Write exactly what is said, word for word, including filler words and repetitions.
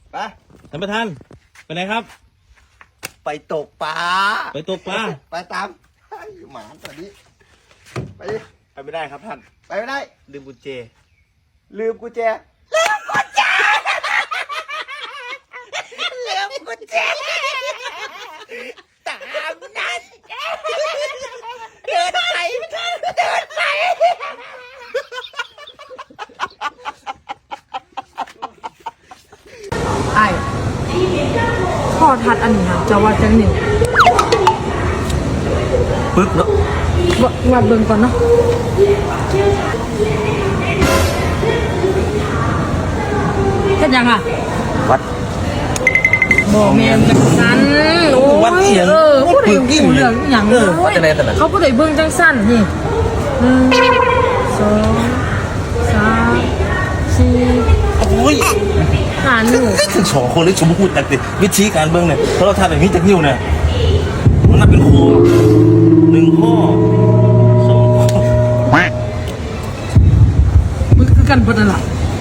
ไปท่านประธานไปไหนครับไปตกปลาไปตกปลาไปตามหมาตัวนี้ไปดิไปไม่ได้ครับท่านไปไม่ได้ลืมกุญแจลืมกุญแจลืมกุญแจลืมกุญแจตามนั้นเดินไปเดินไปไอ้พ่อทัดอันนี้ค่ะจะว่าจังหนึ่งปึ๊กเนาะวัดเบิ่งก่อนเนาะเฮ็ดยังอ่ะวัดบ่แม่นจังซั่นโอ้ยเออผู้ใดรู้เรื่องอีหยังเออเขาผู้ใดเบิ่งจังซั่นนี่หนึ่งสองสามสี่โอ้ยห้านิ้วถึงสองคนเลยชมพูดแต่วิธีการเบิ่งเนี่ยเพราะเราทำแบบนี้จากนิ้วเนี่ยมันน่าเป็นครู